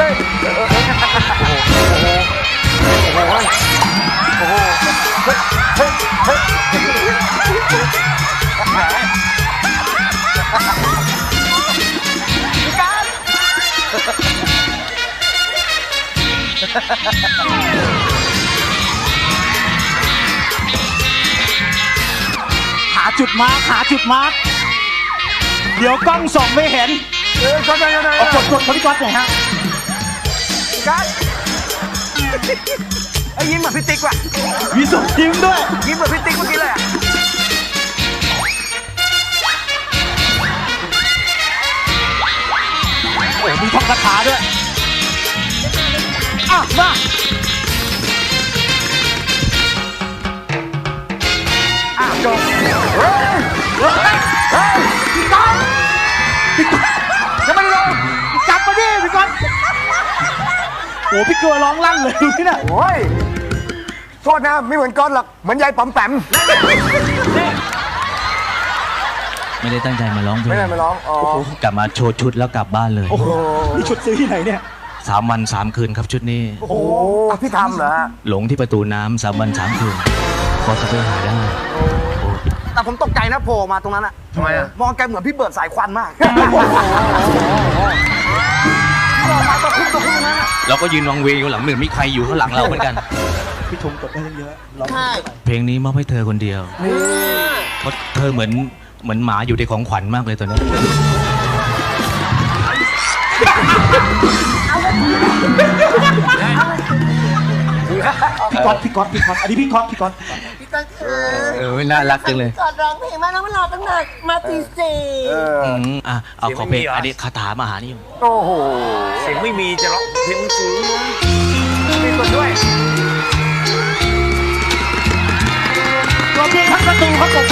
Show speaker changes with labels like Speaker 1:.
Speaker 1: ฮ้ยโอ้โหโอ้โหเฮ้ยเฮ้ยเฮ้ยพี่การ
Speaker 2: หาจุดมาร์คหาจุดมาร์คเดี๋ยวกล้องส่องไม่เห็น
Speaker 1: ก็ได้ก็ได้
Speaker 2: เอากดพี่ก๊อตหน่อยฮะ
Speaker 1: พี่การไอ้ยิ้มเหมือนพี่ติ๊กว่ะ
Speaker 2: มีส่งยิ้มด้วย
Speaker 1: ยิ้มเหมือนพี่ติ๊กเมื่อกี้เลยอ่ะ
Speaker 2: โอ้มีท่องคาถาด้วยอ่ะมา
Speaker 1: จบเฮ้ยพี่ก๊อตยังไม่ได้ลง
Speaker 2: กลับมาดิพี่ก๊อตโอ้พี่เกลือร้องลั่นเลยดูนี่น่ะ
Speaker 1: โอ้ยโทษนะไม่เหมือนก๊อตหรอกเหมือนยายป๋อมแปม
Speaker 3: ไม่ได้ตั้งใจมาร้องเพล
Speaker 1: ไม่
Speaker 3: ง
Speaker 1: ได้มาร้องอ๋อก
Speaker 3: ลับมาโชว์ชุดแล้วกลับบ้านเลย
Speaker 2: โอ้โหนี่ชุดซื้อที่ไหนเนี่ย
Speaker 3: 3 วัน 3 คืนครับชุดนี้
Speaker 1: โอ้โหพี่ทำเหรอฮะ
Speaker 3: หลงที่ประตูน้ำ3 วัน 3 คืนพอจะไปหาได้
Speaker 4: แต่ผมตกใจนะโผล่มาตรงนั้นอะ
Speaker 1: ทำไมอ่ะ
Speaker 4: มองแกเหมือนพี่เบิร์ดสายควันมาก
Speaker 3: เราก็ยืนวังเวงอยู่หลังหนึ่งมีใครอยู่ข้างหลังเราเหมือนกัน
Speaker 2: พี่ชมกดได้เยอะร้อง
Speaker 5: ใช่
Speaker 3: เพลงนี้มอบให้เธอคนเดียวเพราะเธอเหมือนหมาอยู่ในของขวัญมากเลยตอนนี้
Speaker 2: พี่ก๊อตอันนี้พี่ก๊อต
Speaker 5: พี่ก๊อตคือ
Speaker 3: น่ารักจังเลย
Speaker 5: ก่อนร้องเพลงมาแล้วมันรอตั้งนานมาตีสี่
Speaker 3: เอาขอเพลงอันนี้คาถามหานิยม
Speaker 1: โอ้โห
Speaker 4: เสียงไม่มีจะร้องเพลงสูง
Speaker 1: มีคนด้วย
Speaker 2: ตัวเพียงทั้งประตูเขาตก